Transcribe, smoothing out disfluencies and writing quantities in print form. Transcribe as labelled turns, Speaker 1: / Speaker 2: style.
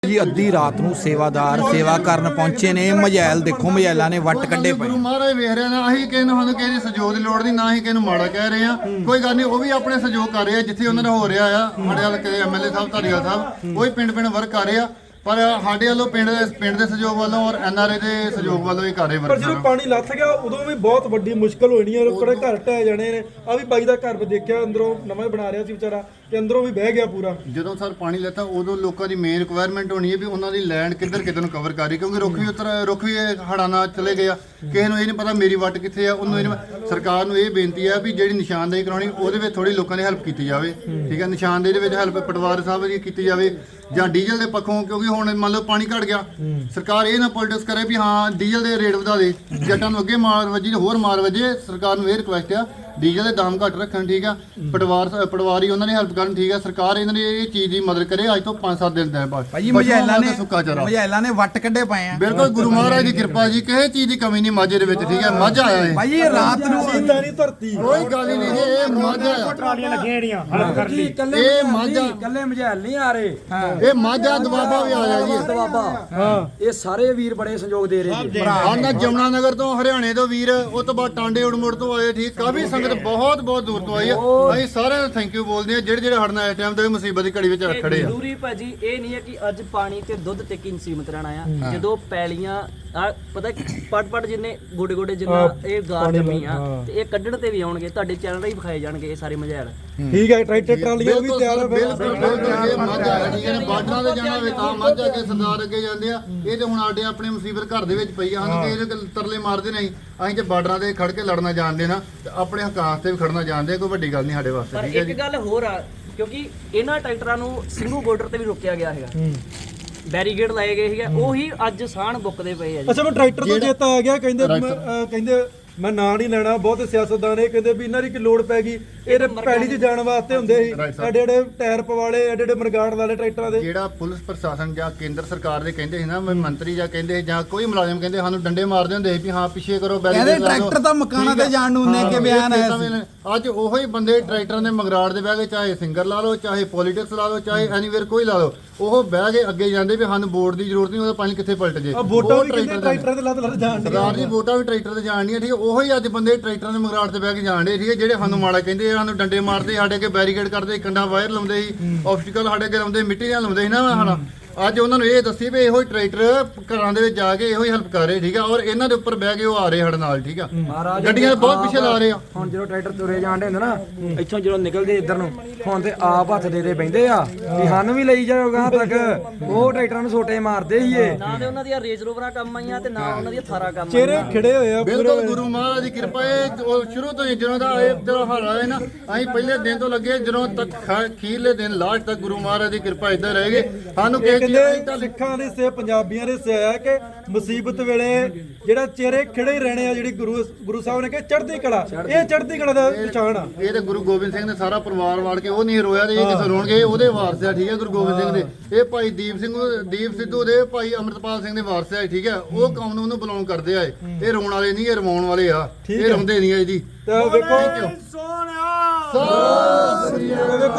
Speaker 1: जी अद्धी रात ਨੂੰ ਸੇਵਾਦਾਰ ਸੇਵਾ ਕਰਨ ਪਹੁੰਚੇ ਨੇ। ਮਝੈਲ ਦੇਖੋ, ਮਝੈਲਾਂ ਨੇ ਵੱਟ ਕੱਢੇ ਪਏ।
Speaker 2: ਗੁਰੂ ਮਹਾਰਾਜ ਵੇਖ ਰਹੇ ਨੇ, ਅਸੀਂ ਕਿਸੇ ਨੂੰ ਸਾਨੂੰ ਕਿਸੇ ਦੀ ਸਹਿਯੋਗ ਦੀ ਲੋੜ ਨਹੀਂ, ਨਾ ਹੀ ਕਿਸੇ ਨੂੰ ਮਾੜਾ ਕਹਿ ਰਹੇ ਆ। ਕੋਈ ਗੱਲ ਨਹੀਂ, ਉਹ ਵੀ ਆਪਣੇ ਸਹਿਯੋਗ ਕਰ ਰਹੇ ਆ ਜਿੱਥੇ ਉਹਨਾਂ ਦਾ ਹੋ ਰਿਹਾ ਆ। ਸਾਡੇ ਹਲਕੇ ਦੇ ਐਮਐਲਏ ਸਾਹਿਬ, ਧਾਰੀਵਾਲ ਸਾਹਿਬ, ਉਹ ਹੀ ਪਿੰਡ ਵਰਕ ਕਰ ਰਹੇ ਆ। ਪਰ ਸਾਡੇ ਵੱਲੋਂ ਪਿੰਡ ਦੇ ਸਹਿਯੋਗ ਵੱਲੋਂ ਔਰ ਐਨਆਰਏ ਦੇ ਸਹਿਯੋਗ ਵੱਲੋਂ ਹੀ ਕਰ ਰਹੇ
Speaker 3: ਪਰ ਜਦੋਂ ਪਾਣੀ ਲੱਥ ਗਿਆ ਉਦੋਂ ਵੀ ਬਹੁਤ ਵੱਡੀ ਮੁਸ਼ਕਲ ਹੋਣੀ ਹੈ। ਲੋਕਾਂ ਦੇ ਘਰ ਢਹਿ ਜਾਣੇ ਨੇ। ਆ ਵੀ ਬਾਈ ਦਾ ਘਰ ਦੇਖਿਆ, ਅੰਦਰੋਂ ਨਵਾਂ ਬਣਾ ਰਿਹਾ ਸੀ ਵਿਚਾਰਾ, ਤੇ ਅੰਦਰੋਂ ਵੀ ਬਹਿ ਗਿਆ ਪੂਰਾ।
Speaker 2: ਜਦੋਂ ਸਰ ਪਾਣੀ ਲੈਤਾ ਉਦੋਂ ਲੋਕਾਂ ਦੀ ਮੇਨ ਰਿਕੁਆਇਰਮੈਂਟ ਹੋਣੀ ਹੈ ਵੀ ਉਹਨਾਂ ਦੀ ਲੈਂਡ ਕਿੱਧਰ ਨੂੰ ਕਵਰ ਕਰੀ, ਕਿਉਂਕਿ ਰੁੱਖ ਵੀ ਹੜ੍ਹਾਂ ਨਾਲ ਚਲੇ ਗਏ ਆ। ਕਿਸੇ ਨੂੰ ਇਹ ਨਹੀਂ ਪਤਾ ਮੇਰੀ ਵੱਟ ਕਿੱਥੇ ਆ। ਉਹਨੂੰ ਸਰਕਾਰ ਨੂੰ ਇਹ ਬੇਨਤੀ ਆ ਵੀ ਜਿਹੜੀ ਨਿਸ਼ਾਨਦੇਹੀ ਕਰਾਉਣੀ ਉਹਦੇ ਵਿੱਚ ਥੋੜੀ ਲੋਕਾਂ ਦੀ ਹੈਲਪ ਕੀਤੀ ਜਾਵੇ। ਠੀਕ ਹੈ, ਨਿਸ਼ਾਨਦੇਹੀ ਦੇ ਵਿੱਚ ਹੈਲਪ ਪਟਵਾਰ ਸਾਹਿਬ ਦੀ ਕੀਤੀ ਜਾਵੇ, ਜਾਂ ਡੀਜ਼ਲ ਦੇ ਪੱਖੋਂ, ਕਿਉਂਕਿ ਹੁਣ ਮੰਨ ਲਓ ਪਾਣੀ ਘਟ ਗਿਆ, ਸਰਕਾਰ ਇਹ ਨਾ ਪੋਲਿਟਿਕਸ ਕਰੇ ਵੀ ਹਾਂ ਡੀਜ਼ਲ ਦੇ ਰੇਟ ਵਧਾ ਦੇ, ਜੱਟਾਂ ਨੂੰ ਅੱਗੇ ਮਾਰ ਵੱਜੀ ਹੋਰ ਮਾਰ ਵੱਜੇ। ਸਰਕਾਰ ਨੂੰ ਇਹ ਰਿਕੁਐਸਟ ਆ ਡੀਜ਼ਲ ਦੇ ਦਾਮ ਘੱਟ ਰੱਖਣ। ਠੀਕ ਆ, ਪਟਵਾਰੀ ਉਹਨਾਂ ਦੀ ਹੈਲਪ ਕਰਨ। ਠੀਕ ਆ, ਸਰਕਾਰ ਇਹਨਾਂ ਦੀ ਇਹ ਚੀਜ਼ ਦੀ ਮਦਦ ਕਰੇ। ਅੱਜ ਤੋਂ 5-7 ਦਿਨ ਦਾ ਬਾਅਦ
Speaker 1: ਭਾਜੀ ਮਝੈਲਾਂ ਨੇ ਵੱਟ ਕੱਢੇ ਪਏ ਆ।
Speaker 2: ਬਿਲਕੁਲ ਗੁਰੂ ਮਹਾਰਾਜ ਦੀ ਕਿਰਪਾ ਜੀ, ਕਿਸੇ ਚੀਜ਼ ਦੀ ਕਮੀ ਨਹੀਂ ਮਾਝੇ ਦੇ ਵਿੱਚ। ਠੀਕ ਹੈ, ਮਾਝਾ ਆਇਆ ਹੈ
Speaker 1: ਭਾਜੀ ਰਾਤ ਨੂੰ
Speaker 3: ਇਦਾਂ ਨਹੀਂ ਧਰਤੀ
Speaker 2: ਕੋਈ ਗੱਲ ਹੀ ਨਹੀਂ, ਇਹ ਮਾਝਾ ਆ।
Speaker 4: ਟਰਾਲੀਆਂ ਲੱਗੀਆਂ ਜਿਹੜੀਆਂ ਹਲਪ ਕਰ ਲਈ।
Speaker 2: ਇਹ ਮਾਝਾ
Speaker 5: ਕੱਲੇ ਮਝੈਲ ਨਹੀਂ ਆ ਰਹੇ,
Speaker 2: ਇਹ ਮਾਝਾ ਦਵਾਬਾ ਵੀ ਆਇਆ ਜੀ।
Speaker 5: ਦਵਾਬਾ ਇਹ ਸਾਰੇ ਵੀਰ ਬੜੇ ਸਹਿਯੋਗ ਦੇ ਰਹੇ ਨੇ।
Speaker 2: ਆਨਾ ਜਮਨਾ ਨਗਰ ਤੋਂ, ਹਰਿਆਣੇ ਤੋਂ ਵੀਰ, ਉਸ ਤੋਂ ਬਾਅਦ ਟਾਂਡੇ ਉੜਮੁੜ ਤੋਂ ਆਏ। ਠੀਕ, ਕਾਫੀ ਸੰਗਤ ਬਹੁਤ ਦੂਰ ਤੋਂ ਆਈ ਆ। ਅਸੀਂ ਸਾਰਿਆਂ ਨੂੰ ਥੈਂਕ ਯੂ ਬੋਲਦੇ ਆ ਜਿਹੜੇ ਹੜਨਾ ਇਸ ਟਾਈਮ ਤੇ ਮੁਸੀਬਤ ਦੀ ਘੜੀ ਵਿੱਚ ਖੜੇ ਆ।
Speaker 6: ਜ਼ਰੂਰੀ ਭਾਜੀ ਇਹ ਨਹੀਂ ਹੈ ਕਿ ਅੱਜ ਪਾਣੀ ਤੇ ਦੁੱਧ ਤੇ ਕੀ ਸੀਮਤ ਰਹਿਣਾ ਆ। ਜਦੋਂ ਪੈਲੀਆਂ ਪਤਾ ਪਟ ਜਿੰਨੇ ਗੋਡੇ ਜਿੰਨਾ ਇਹ ਗਾਰ ਜਮੀ ਆ, ਤੇ ਇਹ ਕੱਢਣ ਤੇ ਵੀ ਆਉਣਗੇ। ਤੁਹਾਡੇ ਚੈਨਲ ਰਾਹੀਂ ਵਿਖਾਏ ਜਾਣਗੇ ਇਹ ਸਾਰੇ ਮਝੈਲ।
Speaker 3: ਠੀਕ ਹੈ, ਟਰੈਕਟਰ ਟਰਾਲੀਆਂ ਵੀ ਤਿਆਰ ਆ।
Speaker 2: ਬਿਲਕੁਲ ਇਹ ਮਾਝਾ ਹੈ। ਠੀਕ ਹੈ, ਬਾਰਡਰਾਂ ਤੇ ਜਾਣਾ ਹੋਵੇ ਤਾਂ ਮਾਝਾ ਅੱਗੇ ਸਰਦਾਰ ਅੱਗੇ ਜਾਂਦੇ ਆ। ਇਹ ਤੇ ਹੁਣ ਸਾਡੇ ਆਪਣੇ ਮੁਸੀਬਤ ਘਰ ਦੇ ਵਿੱਚ ਪਈ ਆ। ਸਾਨੂੰ ਕਿਸੇ ਤਰਲੇ ਮਾਰਦੇ ਨਹੀਂ। ਅਸੀਂ ਤੇ ਬਾਰਡਰਾਂ ਤੇ ਖੜ ਕੇ ਲੜਨਾ ਜਾਣਦੇ ਨਾ, ਤੇ ਆਪਣੇ ਹੱਕਾਂ ਤੇ ਵੀ ਖੜਨਾ ਜਾਣਦੇ। ਕੋਈ ਵੱਡੀ ਗੱਲ ਨਹੀਂ ਸਾਡੇ ਵਾਸਤੇ।
Speaker 6: ਪਰ ਇੱਕ ਗੱਲ ਹੋਰ ਆ, ਕਿਉਂਕਿ ਇਹਨਾਂ ਟਰੈਕਟਰਾਂ ਨੂੰ ਸਿੰਘੂ ਬਾਰਡਰ ਤੇ ਵੀ ਰੋਕਿਆ ਗਿਆ ਹੈਗਾ, ਬੈਰੀਗੇਡ ਲਾਏ ਗਏ ਸੀਗੇ, ਉਹੀ ਅੱਜ ਸਾਣ ਬੁੱਕਦੇ ਪਏ ਆ ਜੀ।
Speaker 3: ਅੱਛਾ, ਮੈਂ ਟਰੈਕਟਰ ਤੋਂ ਚੇਤਾ ਆ ਗਿਆ। ਕਹਿੰਦੇ ਮੈਂ ਨਾਂ ਨਹੀਂ ਲੈਣਾ, ਬਹੁਤ ਸਿਆਸਤਦਾਨ ਇਹ ਕਹਿੰਦੇ ਵੀ ਇਹਨਾਂ ਦੀ ਕੀ ਲੋੜ ਪੈ ਗਈ, ਇਹ ਪੈਲੀ 'ਚ ਜਾਣ ਵਾਸਤੇ ਹੁੰਦੇ ਸੀ। ਐਡੇ ਟਾਇਰ ਪਵਾਲੇ, ਐਡੇ ਮਰਗਾੜ ਵਾਲੇ ਟਰੈਕਟਰਾਂ ਦੇ।
Speaker 2: ਜਿਹੜਾ ਪੁਲਿਸ ਪ੍ਰਸ਼ਾਸਨ ਜਾਂ ਕੇਂਦਰ ਸਰਕਾਰ ਦੇ ਕਹਿੰਦੇ ਸੀ ਨਾ, ਮੰਤਰੀ ਜਾਂ ਕਹਿੰਦੇ ਜਾਂ ਕੋਈ ਮੁਲਾਜ਼ਮ ਕਹਿੰਦੇ ਸਾਨੂੰ ਡੰਡੇ ਮਾਰਦੇ ਹੁੰਦੇ ਸੀ ਵੀ ਹਾਂ ਪਿੱਛੇ ਕਰੋ,
Speaker 1: ਕਹਿੰਦੇ ਟਰੈਕਟਰ ਤਾਂ ਮਕਾਨਾਂ ਤੇ ਜਾਣ ਨੂੰ ਨੇ ਕਿ ਬਿਆਨ ਹੈ।
Speaker 2: ਅੱਜ ਉਹੋ ਹੀ ਬੰਦੇ ਟਰੈਕਟਰਾਂ ਦੇ ਮਗਰਾੜ ਦੇ ਬਹਿ ਕੇ, ਚਾਹੇ ਸਿੰਗਰ ਲਾ ਲਓ, ਚਾਹੇ ਪੋਲੀਟਿਕਸ ਲਾ ਲਓ, ਚਾਹੇ ਐਨੀਵੇਅਰ ਕੋਈ ਲਾ ਲਓ, ਉਹ ਬਹਿ ਕੇ ਅੱਗੇ ਜਾਂਦੇ ਵੀ ਸਾਨੂੰ ਵੋਟ ਦੀ ਜ਼ਰੂਰਤ ਨਹੀਂ, ਉਹਦਾ ਪਾਣੀ ਕਿੱਥੇ ਪਲਟ ਜੇ।
Speaker 3: ਵੋਟਾਂ ਵੀ ਟਰੈਕਟਰਾਂ ਤੇ ਲੱਦ ਜਾਣ
Speaker 2: ਸਰਦਾਰ ਜੀ, ਵੋਟਾਂ ਵੀ ਟਰੈਕਟਰ ਤੇ ਜਾਣ ਦੀਆਂ। ਠੀਕ ਹੈ, ਉਹੋ ਹੀ ਅੱਜ ਬੰਦੇ ਟਰੈਕਟਰਾਂ ਦੇ ਮਗਰਾੜ ਤੇ ਬਹਿ ਕੇ ਜਾਣ ਦੇ। ਠੀਕ ਹੈ, ਜਿਹੜੇ ਸਾਨੂੰ ਮਾੜਾ ਕਹਿੰਦੇ, ਸਾਨੂੰ ਡੰਡੇ ਮਾਰਦੇ, ਸਾਡੇ ਅੱਗੇ ਬੈਰੀਕੇਡ ਕਰਦੇ, ਕੰਡਾ ਵਾਇਰ ਲਾਉਂਦੇ ਸੀ, ਆਬਸਟੀਕਲ ਸਾਡੇ ਅੱਗੇ ਲਾਉਂਦੇ, ਮਿੱਟੀ ਨਾਲ ਲਾਉਂਦੇ ਸੀ ਨਾ ਸਾਡਾ। ਅੱਜ ਉਹਨਾਂ ਨੂੰ ਇਹ ਦੱਸੀ ਵੀ ਇਹੋ ਹੀ ਟਰੈਕਟਰ ਘਰਾਂ ਦੇ ਵਿੱਚ ਜਾ ਕੇ ਇਹੋ ਹੀ ਹੈਲਪ ਕਰ ਰਹੇ। ਠੀਕ ਆ, ਔਰ ਇਹਨਾਂ ਦੇ ਉੱਪਰ ਬਹਿ ਕੇ ਉਹ ਆ ਰਹੇ ਸਾਡੇ ਨਾਲ। ਠੀਕ ਆ, ਗੱਡੀਆਂ ਬਹੁਤ ਪਿੱਛੇ ਲਾ ਰਹੇ ਆ।
Speaker 5: ਹੁਣ ਜਦੋਂ ਟਰੈਕਟਰ ਤੁਰੇ ਜਾਂਦੇ ਹੁੰਦੇ ਨਾ, ਇੱਥੋਂ ਜਦੋਂ ਨਿਕਲਦੇ ਇੱਧਰ ਨੂੰ, ਹੁਣ ਤੇ ਆਪ ਹੱਥ ਦੇ ਬੈਂਦੇ ਆ ਵੀ ਸਾਨੂੰ ਵੀ ਲਈ ਜਾਓਗਾ ਤੱਕ। ਉਹ ਟਰੈਕਟਰਾਂ ਨੂੰ ਛੋਟੇ ਮਾਰਦੇ ਸੀ ਇਹ।
Speaker 6: ਨਾ ਤੇ ਉਹਨਾਂ ਦੀਆਂ ਰੇਂਜ ਰੋਵਰਾਂ ਕੰਮ ਆਈਆਂ, ਤੇ ਨਾ ਉਹਨਾਂ ਦੀਆਂ ਥਾਰਾਂ ਕੰਮ
Speaker 3: ਚਿਹਰੇ ਖਿੜੇ ਹੋਏ ਆ।
Speaker 2: ਬਿਲਕੁਲ ਗੁਰੂ ਮਹਾਰਾਜ ਦੀ ਕਿਰਪਾ ਹੈ। ਉਹ ਸ਼ੁਰੂ ਤੋਂ ਹੀ ਜਦੋਂ ਦਾ ਇਹ ਜਦੋਂ ਹਾਲ ਆਇਆ ਨਾ, ਅਸੀਂ ਪਹਿਲੇ ਦਿਨ ਤੋਂ ਲੱਗੇ ਜਦੋਂ ਤੱਕ ਅਖੀਰਲੇ ਦਿਨ ਲਾਸਟ ਤੱਕ ਗੁਰੂ ਮਹਾਰਾਜ ਦੀ ਕਿਰਪਾ ਇਦਾਂ ਰਹੇਗੀ। ਸਾਨੂੰ ਕਿਸੇ ਚੀਜ਼ ਦੀ
Speaker 3: ਸਿੱਖਾਂ ਦੇ ਸੇ, ਪੰਜਾਬੀਆਂ ਦੇ ਸੇ ਆ ਕਿ ਮੁਸੀਬਤ ਵੇਲੇ ਜਿਹੜਾ ਚਿਹਰੇ ਖਿੜੇ ਰਹਿਣੇ ਆ, ਜਿਹੜੀ ਗੁਰੂ ਸਾਹਿਬ ਨੇ ਕਿ ਚੜ੍ਹਦੀ ਕਲਾ, ਇਹ ਚੜ੍ਹਦੀ ਕਲਾ ਦਾ ਨਿਸ਼ਾਨ ਆ।
Speaker 2: ਇਹ ਤੇ ਗੁਰੂ ਗੋਬਿੰਦ ਸਿੰਘ ਨੇ ਸਾਰਾ ਪਰਿਵਾਰ ਵਾੜ ਕੇ ਉਹ ਨਹੀਂ ਰੋਇਆ, ਤੇ ਇਹ ਕਿਸੇ ਰੋਣਗੇ, ਉਹਦੇ ਵਾਰਸ ਆ। ਠੀਕ ਹੈ, ਗੁਰੂ ਗੋਬਿੰਦ ਸਿੰਘ ਦੇ ਇਹ ਭਾਈ ਦੀਪ ਸਿੱਧੂ ਦੇ ਭਾਈ ਅੰਮ੍ਰਿਤਪਾਲ ਸਿੰਘ ਦੇ ਵਾਰਸ ਆ। ਠੀਕ ਹੈ, ਉਹ ਕੌਮ ਨੂੰ ਉਹਨੂੰ ਬਿਲੋਂਗ ਕਰਦੇ ਆ। ਇਹ ਰੋਣ ਵਾਲੇ ਨਹੀਂ, ਇਹ ਰਵਾਉਣ ਵਾਲੇ ਆ। ਇਹ ਰੋਂਦੇ ਨਹੀਂ ਆ ਜੀ।
Speaker 3: ਤਾਂ ਵੇਖੋ